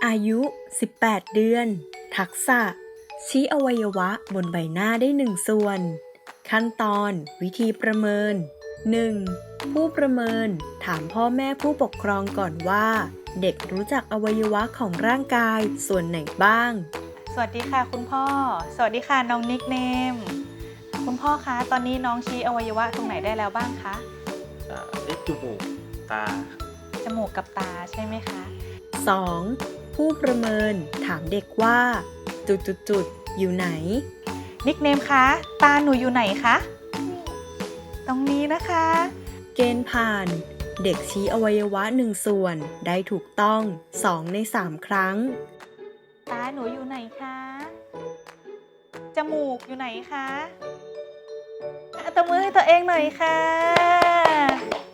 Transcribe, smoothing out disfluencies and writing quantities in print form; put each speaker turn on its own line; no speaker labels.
อายุ 18 เดือน ทักษะ ชี้อวัยวะบนใบหน้าได้1ส่วน ขั้นตอนวิธีประเมิน 1. ผู้ประเมินถามพ่อแม่ผู้ปกครองก่อนว่า เด็กรู้จักอวัยวะของร่างกายส่วนไหนบ้าง
สวัสดีค่ะคุณพ่อ สวัสดีค่ะน้องนิกเนม คุณพ่อคะตอนนี้น้องชี้อวัยวะตรงไหนได้แล้วบ้างคะ
จมูกตา
จมูกกับตาใช่ไหมคะ
2. ผู้ประเมินถามเด็กว่า จุดๆอยู่ไหน
นิกเนมคะตาหนูอยู่ไหนคะ ตรงนี้นะคะ
เกณฑ์ผ่าน เด็กชี้อวัยวะ1ส่วนได้ถูกต้อง2ใน3ครั้ง
ตาหนูอยู่ไหนคะ จมูกอยู่ไหนคะตบมือให้ตัวเองหน่อยค่ะ